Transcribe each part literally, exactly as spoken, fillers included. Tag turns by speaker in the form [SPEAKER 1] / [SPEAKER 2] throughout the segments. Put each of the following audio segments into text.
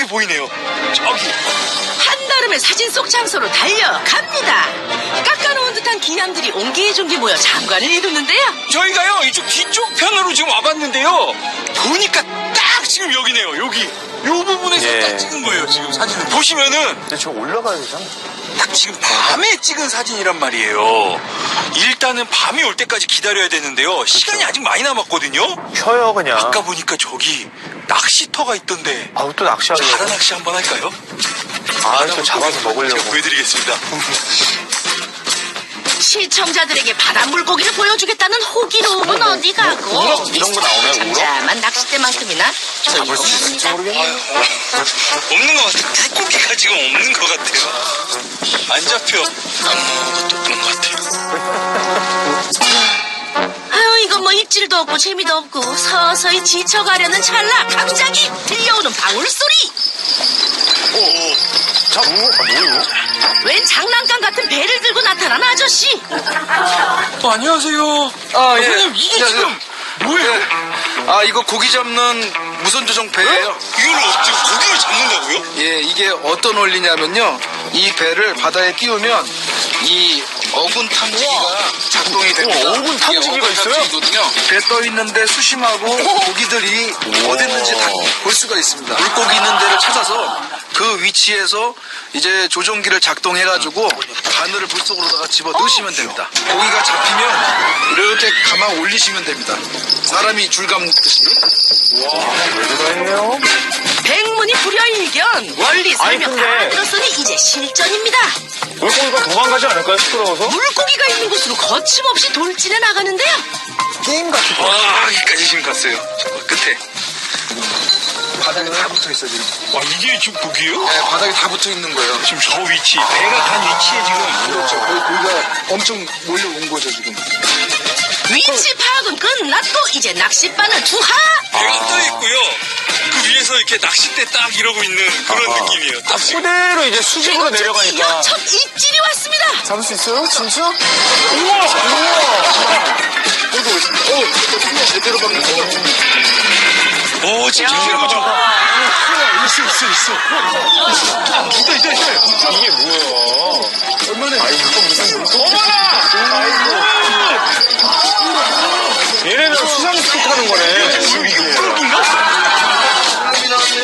[SPEAKER 1] 보이네요. 저기.
[SPEAKER 2] 한달음에 사진 속 장소로 달려갑니다. 깎아놓은 듯한 기남들이 옹기종기 모여 장관을 이루는데요.
[SPEAKER 1] 저희가요, 이쪽 뒤쪽 편으로 지금 와봤는데요. 보니까 딱 지금 여기네요, 여기. 요 부분에서
[SPEAKER 3] 예.
[SPEAKER 1] 딱 찍은 거예요, 지금 사진을. 보시면은.
[SPEAKER 3] 근데 저 올라가야 되잖아.
[SPEAKER 1] 딱 지금 밤에 찍은 사진이란 말이에요. 일단은 밤이 올 때까지 기다려야 되는데요. 시간이 아직 많이 남았거든요.
[SPEAKER 3] 쉬어요, 그냥.
[SPEAKER 1] 아까 보니까 저기 낚시터가 있던데.
[SPEAKER 3] 아우, 또 낚시하려고.
[SPEAKER 1] 바다 낚시 한번 할까요?
[SPEAKER 3] 아, 저 잡아서 먹으려고.
[SPEAKER 1] 제가 보여드리겠습니다.
[SPEAKER 2] 시청자들에게 바다 물고기를 보여주겠다는 호기로움은 어디 가고
[SPEAKER 3] 우럭 이런 거 나오나요, 우럭?
[SPEAKER 2] 잠잠한 낚싯대만큼이나
[SPEAKER 3] 잡을 수 있을지 모르겠네요.
[SPEAKER 1] 없는 것 같아요. 물고기가 지금 없는 것 같아요. 안 잡혀. 아무것도 없는 것 같아요.
[SPEAKER 2] 아유 이건 뭐 입질도 없고 재미도 없고 서서히 지쳐가려는 찰나 갑자기 들려오는 방울소리.
[SPEAKER 1] 오,
[SPEAKER 3] 자, 뭐, 아, 뭐예요?
[SPEAKER 2] 웬 장난감 같은 배를 들고 나타난 아저씨.
[SPEAKER 1] 어, 안녕하세요.
[SPEAKER 4] 아, 예.
[SPEAKER 1] 선생님, 이게 지금 뭐예요?
[SPEAKER 4] 아, 이거 고기 잡는 무선 조종 배예요.
[SPEAKER 1] 이걸로 지금 고기를 잡는다고요?
[SPEAKER 4] 예, 이게 어떤 원리냐면요. 이 배를 바다에 띄우면 이 어군 탐지기가 작동이 됩니다.
[SPEAKER 3] 우와, 어군 탐지기가
[SPEAKER 4] 이게 어군
[SPEAKER 3] 있어요?
[SPEAKER 4] 탐지기거든요. 배 떠 있는데 수심하고 고기들이 어디 있는지 다 볼 수가 있습니다. 물고기 있는 데를 찾아서 그 위치에서 이제 조종기를 작동해가지고 바늘을 물속으로다가 집어 넣으시면 됩니다. 고기가 잡히면 이렇게 감아 올리시면 됩니다. 사람이 줄 감듯이.
[SPEAKER 3] 있네요.
[SPEAKER 2] 백문이 불여일견 원리 설명
[SPEAKER 3] 아니,
[SPEAKER 2] 다
[SPEAKER 3] 근데-
[SPEAKER 2] 들었으니 이제 실전입니다.
[SPEAKER 3] 물고기가 도망가지 않을까요, 시끄러워서?
[SPEAKER 2] 물고기가 있는 곳으로 거침없이 돌진해 나가는데요.
[SPEAKER 3] 게임 같은 거.
[SPEAKER 1] 와, 여기까지 지금 갔어요. 저 끝에.
[SPEAKER 4] 바닥에 다 붙어 있어요, 지금.
[SPEAKER 1] 와, 이게 지금 고기예요?
[SPEAKER 4] 네, 바닥에 다 붙어 있는 거예요.
[SPEAKER 1] 지금 저 위치, 배가 간 위치에 지금.
[SPEAKER 4] 그렇죠. 거기 고기가 엄청 몰려온 거죠, 지금.
[SPEAKER 2] 위치 파악은 끝났고 이제 낚싯바늘 투하.
[SPEAKER 1] 배가 떠 있고요. 그 위에서 이렇게 낚싯대 딱 이러고 있는 그런
[SPEAKER 3] 아하.
[SPEAKER 1] 느낌이에요. 딱 지금.
[SPEAKER 3] 그대로 이제 수직으로
[SPEAKER 2] 그리고
[SPEAKER 3] 내려가니까.
[SPEAKER 2] 드디어 첫 입질이 왔습니다.
[SPEAKER 3] 잡을 수 있어요? 진짜? 우와!
[SPEAKER 4] 그리고, 어, 제대로 박는 거.
[SPEAKER 1] 오, 진짜 이거 좀. 있어, 있어, 있어. 있다, 있다, 있다.
[SPEAKER 3] 이게 뭐야?
[SPEAKER 4] 얼마나.
[SPEAKER 3] 아이, 이거 무슨 물고기?
[SPEAKER 1] 어머나!
[SPEAKER 3] 얘네는 수상스키 타는 거네.
[SPEAKER 1] 지금 이거 물고기인가?
[SPEAKER 4] 사람이 나왔네.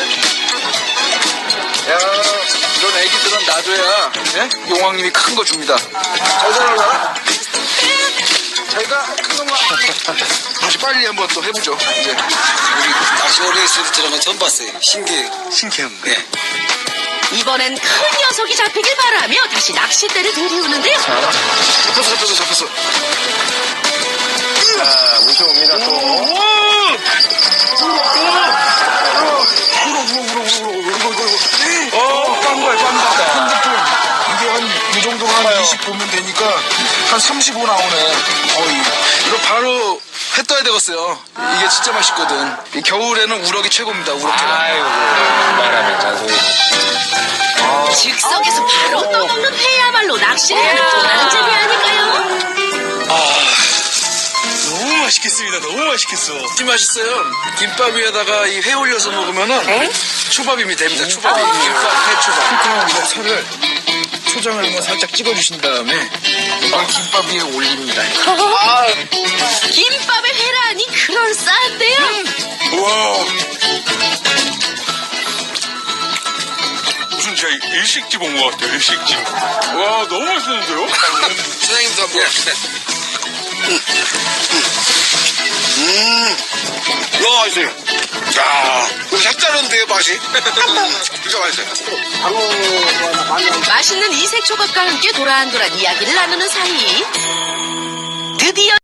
[SPEAKER 4] 야, 이런 애기들은 놔줘야, 예? 용왕님이 큰 거 줍니다. 잘 자라라. 제가 큰 놈아. 다시 빨리 한번 또 해보죠, 이제.
[SPEAKER 5] 낚시 어레이스를 들어간 처음 봤어요. 신기해요.
[SPEAKER 1] 신기한 거.
[SPEAKER 5] 네.
[SPEAKER 2] 이번엔 큰 녀석이 잡히길 바라며 다시 낚싯대를 들이우는데요.
[SPEAKER 4] 잡혔어, 잡혔어, 잡혔어.
[SPEAKER 3] 자, 모셔옵니다, 또.
[SPEAKER 4] 어, 깐 거야, 깐다. 핸드폰. 이게 한, 이 정도가 한 이십 보면 되니까 한 삼십오 나오네. 어이. 이거 바로 회 떠야 되겠어요. 이게 진짜 맛있거든. 이 겨울에는 우럭이 최고입니다, 우럭회가.
[SPEAKER 3] 아이고, 말하면 잔소리.
[SPEAKER 2] 즉석에서 바로 떠먹는 회야말로 낚시를 하는 또 다른 재미 아닐까요?
[SPEAKER 1] 너무 맛있겠습니다. 너무 맛있겠어.
[SPEAKER 4] 진짜 맛있어요. 김밥 위에다가 이 회 올려서 먹으면은 초밥임이 됩니다. 초밥이. 김밥, 회 초밥. 이거 살을 초장을 한번 살짝 찍어주신 다음에 이걸 김밥 위에 올립니다.
[SPEAKER 2] 김밥에 회라니 그럴싸한데요.
[SPEAKER 1] 우와. 무슨 진짜 일식집 온 것 같아요. 일식집. 와, 너무 맛있는데요?
[SPEAKER 4] 사장님도 한번 봅시다.
[SPEAKER 5] 음, 너무 맛있어요. 야, 이거 색다른데요, 맛이? 진짜 맛있어요.
[SPEAKER 2] 맛있는 이색 조각과 함께 도란도란 이야기를 나누는 사이